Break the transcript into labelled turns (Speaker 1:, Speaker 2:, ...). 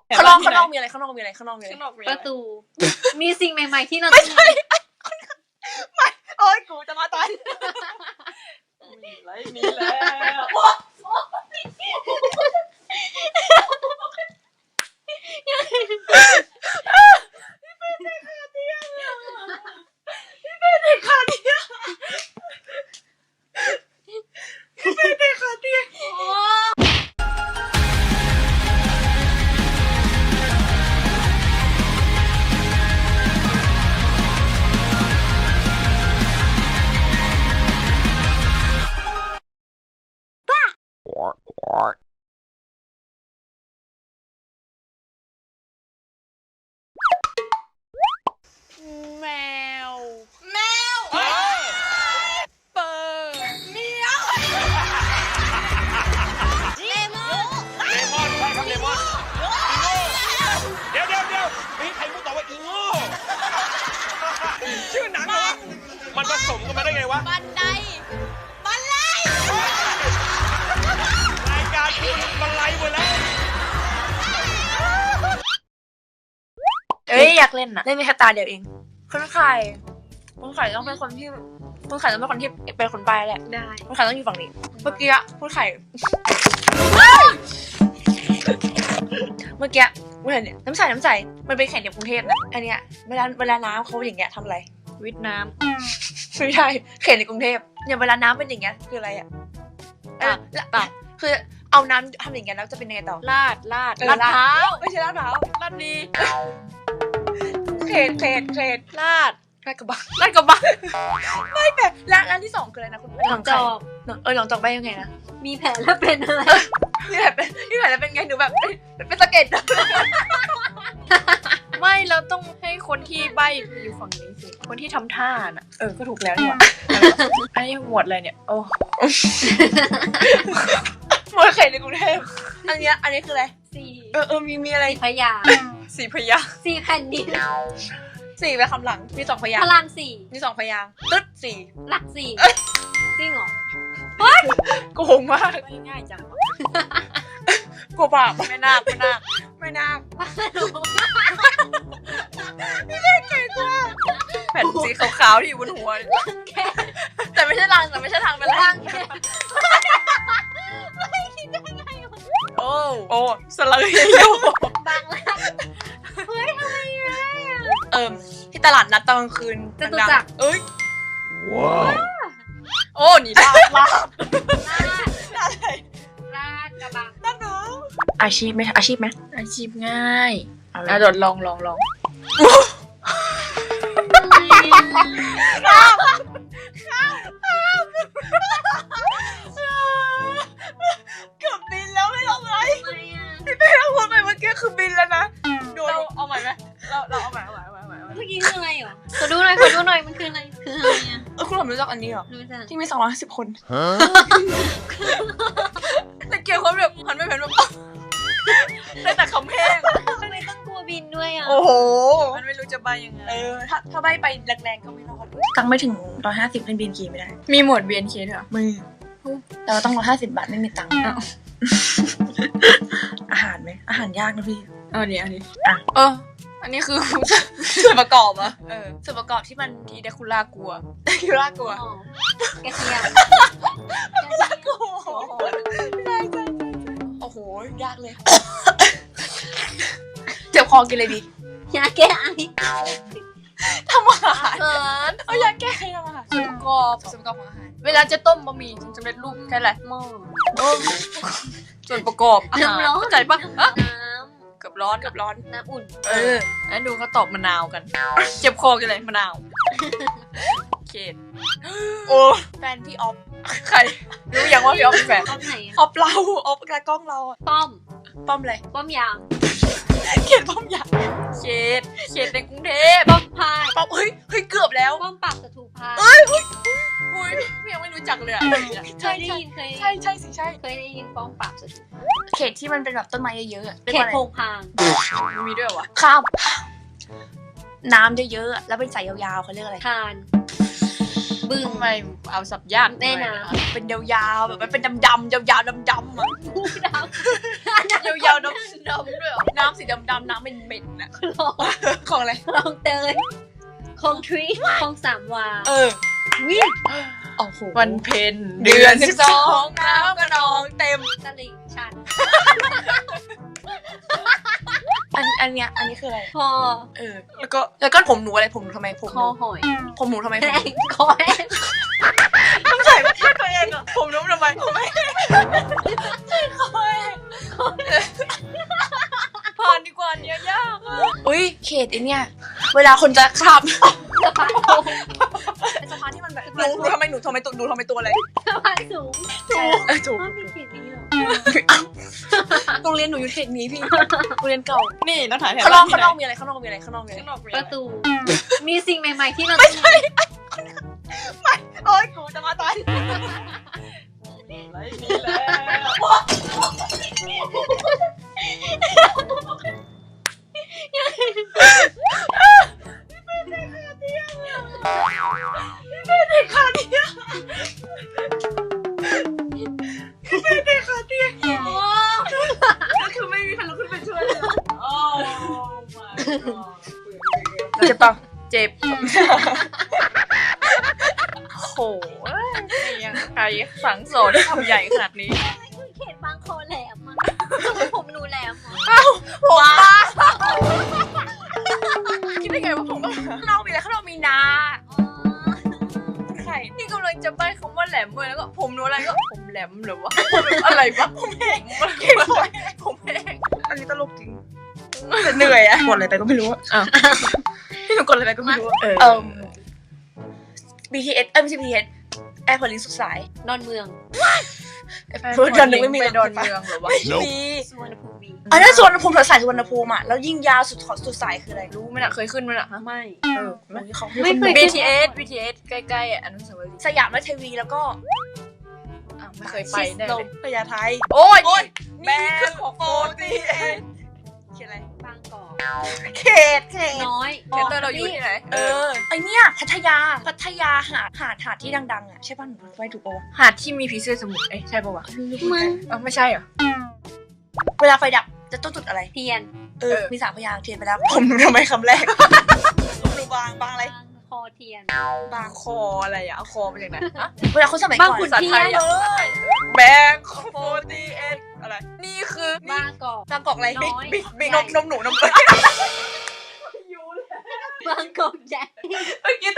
Speaker 1: ข้างนอกมีอะไร
Speaker 2: ประตูมีสิ่งใหม่ๆที่เรา
Speaker 1: ไม่ใช่ไม่โอ๊ยกูจะมาตายมีแล้ว
Speaker 3: แมวเปิด
Speaker 4: เลมอนใช่ครับเลมอนเดี๋ยวมีใครพูดต่อว่าอีโง่ชื่อหนังเหรอมันผสมกันมาได้ไงวะ
Speaker 3: บันได
Speaker 4: รายการคุณมันไลฟ์หมดแล้ว
Speaker 1: อยากเล่นเล่นมีแค่ตาเดียวเองคุณไข่ต้องเป็นคนที่เป็นคนไปแหละ
Speaker 2: ได้
Speaker 1: คุณไข่ต้องอยู่ฝั่งนี้เมื่อกี้คุณไข่คุณเห็นเนี่ยน้ำใสมันเป็นแข่งในกรุงเทพนะอันเนี้ยเวลาน้ำเขาอย่างเงี้ยทำอะไร
Speaker 2: วิทน้
Speaker 1: ำไม่ใช่แข่งในกรุงเทพเนี่ยเวลาน้ำเป็นอย่างเงี้ยคืออะไรตักคือเอาน้ำทำอย่างเงี้ยแล้วจะเป็นยังไงต่อ
Speaker 2: ลาดเท้า
Speaker 1: ไม่ใช่ลาดเท้า
Speaker 2: ลาดดี
Speaker 1: เคด
Speaker 2: ลาด
Speaker 1: กระบังไม่แบบร้านที่2คืออะไรนะคุณ
Speaker 2: หลังจอก
Speaker 1: หลังจอกไปยังไงนะ
Speaker 2: มีแผลแล้วเป็นอะไร
Speaker 1: มีแผลแล้วเป็นไงหนูแบบเป็นสะเก็ด
Speaker 3: ไม่เราต้องให้คนที่ใบ้อยู่ฝั่งนี้สิคนที่ทำท่าน่ะ
Speaker 1: ก็ถูกแล้วนี่หว่า
Speaker 3: อันนี้หมวดอะไรเนี่ยโอ้
Speaker 1: หมวดไข่ในกรุงเทพอันนี้คืออะไรมีอะไร
Speaker 2: พยา
Speaker 1: 4 พยางค์
Speaker 2: 4 แผ่นดิน
Speaker 1: 4ไปคำหลังมี2 พยางค์
Speaker 2: พลัง4
Speaker 1: มี2 พยางค์ตึ๊ด4
Speaker 2: หลัก4จริงเหรอ
Speaker 1: โกงมาก
Speaker 3: ง่ายจัง
Speaker 1: กลัวบาปไม่นาค
Speaker 3: ไม่ได้เก่งว่าแผ่นสีขาวๆที่อยู่บนหัว
Speaker 1: แต่ไม่ใช่รังเป็นรังโอ้สลังเฮโย
Speaker 2: บางรักเฮ้ยทำไม
Speaker 1: ที่ตลาดนัดตอนกลางคืน
Speaker 2: จตุจักร
Speaker 4: ว้าว
Speaker 1: โอ้นี่ลาบ
Speaker 2: กระบัง
Speaker 1: นั่นเนาะอาชีพไหมอาชีพง่าย
Speaker 3: โดดลอง
Speaker 1: เกือบบินแล้วไม่ทำไรพี่เต้เราพูดไปเมื่อกี้คือบินแล้วนะโดนเอาใหม่ไหมเราเอาใหม่
Speaker 2: เมื่อกี้คืออะไรเหรอขอดูหน่อยมันคืออะไร
Speaker 1: คุณหลอมรู้จักอันนี้เหรอที่มี250 คนแต่เกี่ยวกับแบบหันไปเห็นแบบได้แต่คำแห้ง
Speaker 2: ทำไมต้องกลัวบินด้วย
Speaker 1: โอ้โห
Speaker 3: มันไม่รู้จะใบยังไง
Speaker 1: ถ้าใบไปแรงๆก็ไม่รอดตังไม่ถึง150เป็นบินขี่ไม่ได้
Speaker 3: มีหมวด BNK ด้วยเหรอ
Speaker 1: มือแต่ว่าต้อง150 บาทไม่มีตังค์อาหารไหมอาหารยากนะพี่
Speaker 3: อันนี้อันนี้คือ
Speaker 1: ส่วนประกอบอะส่วนประกอบที่มันทีเดคูล่ากลัว
Speaker 2: กระเทียมก
Speaker 1: ลัวโอ้โหยากเลยเจ็บคอกินเลยดิ
Speaker 2: ยาแก้ไอ
Speaker 1: ทำอาหารยาแก้ไอทำอาหาร
Speaker 3: ส่วนประกอบของอาหารเวลาจะต้มบะหมี่สำเร็จรูปใช่ไร
Speaker 2: หม้อ
Speaker 3: ส่วนประกอบ
Speaker 2: น้ำร้อน
Speaker 3: เข้าใจปะกับร้อน
Speaker 2: น้ำอุ่น
Speaker 3: แล้วดูเขาตอบมะนาวกันเจ็บคอกันเลยมะนาวเขต
Speaker 1: โอ้แฟนพี่ออฟใครรู้ยังว่าพี่ออฟเป็นแฟนออฟเราออฟกระกล้องเรา
Speaker 2: ป้อม
Speaker 1: อะไร
Speaker 2: ป้อมยาม
Speaker 1: เขตป้อมยาม
Speaker 3: เขตในกรุงเทพ
Speaker 2: ป้อมพาย
Speaker 1: เฮ้ยเกือบแล้ว
Speaker 2: ป้อมปราบศัตรูพาย
Speaker 1: พี่ยังไม่รู้จักเลย
Speaker 2: เคยได้ยิน
Speaker 1: ใช่สิใช่
Speaker 2: เคยได้ยินป้อมปราบศัตรู
Speaker 1: เขตที่มันเป็นแบบต้นไม้เยอะ
Speaker 2: ๆเขตโพงพาง
Speaker 3: มีด้วยวะ
Speaker 1: ข้ามน้ำเยอะๆแล้วเป็นสายยาวๆเขาเรียกอะไร
Speaker 2: คานบึ้ง
Speaker 3: ทำไมเอาสับยาก
Speaker 2: แม่น้ำ
Speaker 3: เป็นยาวๆแบบมันเป็นดำๆยาวๆดำๆอ่ะ
Speaker 2: งูดำ
Speaker 3: ยาวๆดำๆด้วยเหรอน้ำสีดำๆน้ำเหม็นๆอ่ะ
Speaker 2: คลอง
Speaker 3: ของอะไร
Speaker 2: คลองเตยคลองทรีคลองสามวา
Speaker 3: วิ่งโอ้โหวันเพ็ญเดือน12น้ำกระนองเต็ม
Speaker 2: ตลิ่งชัน
Speaker 3: อันนี้คืออะไร
Speaker 2: คอ
Speaker 3: แล้วก็ผมหนูอะไรผมหนูทำไมผม
Speaker 2: คอหอย
Speaker 3: ผมหนูทำไม
Speaker 2: แห้งคอแห้ง
Speaker 3: ต้องใส่มาแค่ตัวเองอ่ะผมหนูทำไมผมไม่ผ่านดีกว่าเนี้ยยากอุ้ยเขตไอเนี่ยเวลาคนจะขับ
Speaker 2: สะพานโค้ง
Speaker 3: สะพานที่มันแบบหนูทำไมตัวอะไร
Speaker 2: สะพานสูง
Speaker 3: ถูก
Speaker 2: อ้าวมีเขียนนี้เหรอ
Speaker 3: โรงเรียนหนูอยู่เขตนี้พี่โรงเรียนเก่า
Speaker 1: นี่ต้องถ่ายแถว
Speaker 3: ข้างนอกมีอะไรข้างนอกมีอะไร
Speaker 2: ประตู มีสิ่งใหม่ๆที่เรา
Speaker 3: ไม่ใช่โอ๊ยกูจะมาตาย
Speaker 1: ไรนี่แหละก็คือไม่มีใครลุกขึ้นไปช่วยเลยโอ้ my god
Speaker 3: เจ็บปะเจ็บโหยังใครสั่งสอนให้ทำใหญ่ขนาดนี้
Speaker 2: เขตบางคอแหลมอ่ะผมหนูแหลมอ่ะ
Speaker 3: ผมบ้าคิดได้ไงว่าผมข้างนอกมีอะไรข้างนอกมีนาไข่นี่กำลังจะใบ้คำว่าแหลมเลยแล้วก็ผมหนูอะไรก็ผมแหลมหรือวะอะไรวะผมแห้งผมแห้งอันนี้ตลกจริงแต่เหนื่อยอะกดอะไรไปก็ไม่รู้อะพี่หนูกดอะไรไปก็ไม่รู้BTS ไม่ใช่ BTS แอร์พอร์ตลิงก์สุดสาย
Speaker 2: ดอนเมือง
Speaker 3: เพื่อนนึงไม่มีดอนเมืองหรอวะมี
Speaker 2: สุวรรณภูมิ
Speaker 3: อันนั้นสุวรรณภูมิสายสุวรรณภูมิอ่ะแล้วยิ่งยาวสุดสายคืออะไรรู้ไหมน่ะเคยขึ้นไหมน่ะ
Speaker 2: ไม่
Speaker 3: เขา
Speaker 2: ไม่เคย
Speaker 3: BTS ใกล้ๆอ่ะอนุสาวรีย์สยามราชเทวีแล้วก็ไม่เคยไปแน่เลยพญาไทโอ้ยนี่คือโฟตีเขียนอะไร
Speaker 2: บางกอก
Speaker 3: เขต
Speaker 2: น้อย
Speaker 3: เขตเตอร์เราอยู่ที่ไหนไอเนี่ยพัทยาหาดที่ดังๆอ่ะใช่ป่ะหนูไปถูกป่ะหาดที่มีผีเสื้อสมุทรใช่ป่ะวะ
Speaker 2: มึง
Speaker 3: ไม่ใช่เหรอเวลาไฟดับจะต้องจุดอะไร
Speaker 2: เทียน
Speaker 3: มี3 พยางค์เทียนไปแล้วผมทำไมคำแรกดูบางอะไร
Speaker 2: บางคอเทียน
Speaker 3: บางคออะไรอ่ะเอาคอมาจากไหนเวลาคนสมัยก่อน
Speaker 2: บางขุนเทียน
Speaker 3: แบงค์48อะไรนี่คือบ
Speaker 2: างกอก
Speaker 3: บางกอกอะไร
Speaker 2: น้อย
Speaker 3: บิ๊กนมหนูนม
Speaker 2: บางกอกใหญ่
Speaker 3: เมื่อกี้